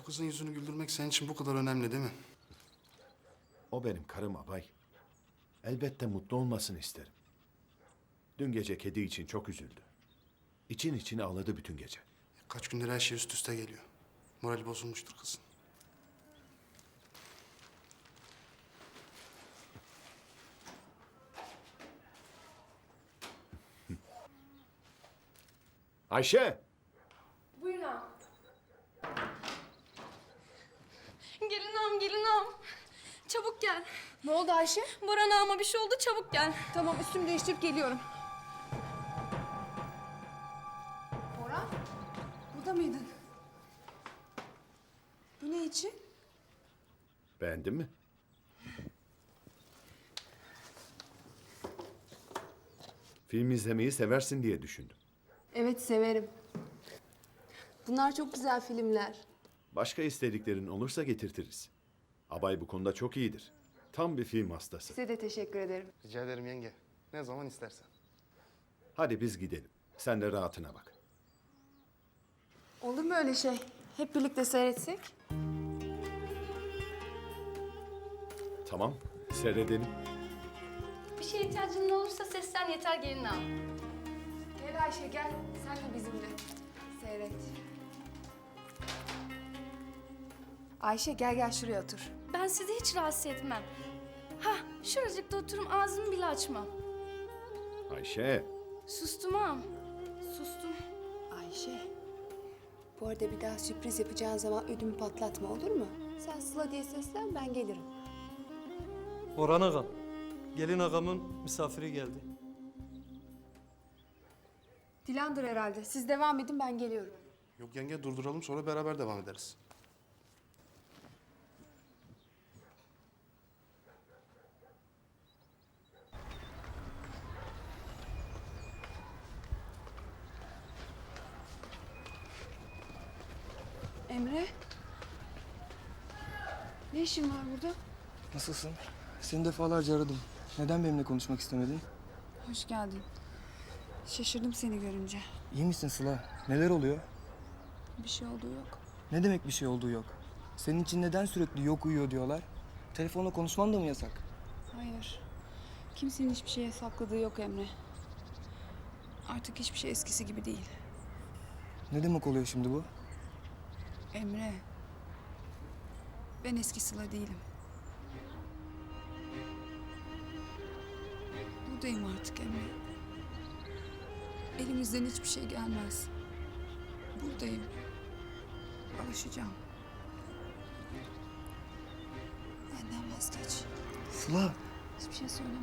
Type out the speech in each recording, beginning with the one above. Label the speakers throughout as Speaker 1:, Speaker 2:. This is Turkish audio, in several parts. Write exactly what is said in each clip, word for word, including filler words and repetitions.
Speaker 1: kızın yüzünü güldürmek senin için bu kadar önemli değil mi?
Speaker 2: O benim karım abay. Elbette mutlu olmasını isterim. Dün gece kedi için çok üzüldü. İçin içine ağladı bütün gece.
Speaker 1: Kaç gündür her şey üst üste geliyor. Morali bozulmuştur kızın.
Speaker 2: Ayşe!
Speaker 3: Buyurun ağam. Gelin ağam, gelin ağam. Çabuk gel.
Speaker 4: Ne oldu Ayşe?
Speaker 3: Boran ağama bir şey oldu, çabuk gel.
Speaker 4: Tamam, üstümü değiştirip geliyorum. Orhan, burada mıydın? Bu ne için?
Speaker 2: Beğendin mi? Film izlemeyi seversin diye düşündüm.
Speaker 4: Evet, severim. Bunlar çok güzel filmler.
Speaker 2: Başka istediklerin olursa getirtiriz. Abay bu konuda çok iyidir. Tam bir film hastası.
Speaker 4: Size de teşekkür ederim.
Speaker 1: Rica ederim yenge. Ne zaman istersen.
Speaker 2: Hadi biz gidelim. Sen de rahatına bak.
Speaker 4: Olur mu öyle şey? Hep birlikte seyretsek?
Speaker 2: Tamam, seyredelim.
Speaker 3: Bir şeye ihtiyacın olursa seslen yeter gelin ağam.
Speaker 4: Gel Ayşe, gel. Sen de bizimle. Seyret. Ayşe, gel gel şuraya otur.
Speaker 3: Ben sizi hiç rahatsız etmem. Hah, şuracıkta oturum ağzımı bile açmam.
Speaker 2: Ayşe,
Speaker 3: Sustum ağam, sustum.
Speaker 4: Ayşe, bu arada bir daha sürpriz yapacağın zaman ödümü patlatma, olur mu? Sen Sıla diye seslen, ben gelirim.
Speaker 5: Orhan ağam, gelin ağamın misafiri geldi.
Speaker 4: Dilan'dır herhalde. Siz devam edin, ben geliyorum.
Speaker 1: Yok yenge durduralım sonra beraber devam ederiz.
Speaker 4: Emre. Ne işin var burada?
Speaker 6: Nasılsın? Seni defalarca aradım. Neden benimle konuşmak istemedin?
Speaker 4: Hoş geldin. Şaşırdım seni görünce.
Speaker 6: İyi misin Sıla? Neler oluyor?
Speaker 4: Bir şey olduğu yok.
Speaker 6: Ne demek bir şey olduğu yok? Senin için neden sürekli yok uyuyor diyorlar? Telefonla konuşman da mı yasak?
Speaker 4: Hayır. Kimsenin hiçbir şeye sakladığı yok Emre. Artık hiçbir şey eskisi gibi değil.
Speaker 6: Ne demek oluyor şimdi bu?
Speaker 4: Emre. Ben eski Sıla değilim. Buradayım artık Emre. Elimizden hiçbir şey gelmez. Buradayım. Alışacağım. Benden vazgeç.
Speaker 6: Sıla!
Speaker 4: Hiçbir şey söyleme.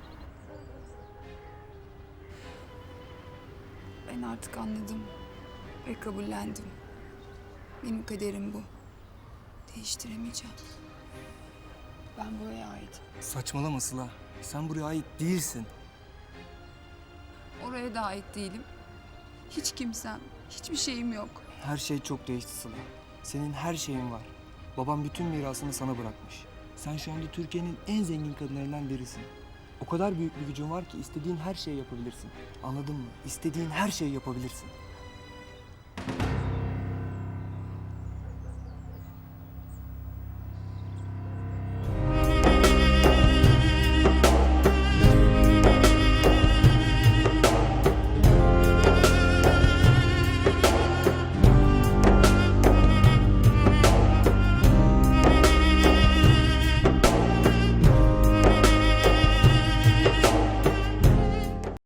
Speaker 4: Ben artık anladım ve kabullendim. Benim kaderim bu. Değiştiremeyeceğim. Ben buraya aitim.
Speaker 6: Saçmalama Sıla. Sen buraya ait değilsin.
Speaker 4: Oraya da ait değilim. Hiç kimsem, hiçbir şeyim yok.
Speaker 6: Her şey çok değişti Sıla. Senin her şeyin var. Babam bütün mirasını sana bırakmış. Sen şu anda Türkiye'nin en zengin kadınlarından birisin. O kadar büyük bir gücün var ki istediğin her şeyi yapabilirsin. Anladın mı? İstediğin her şeyi yapabilirsin.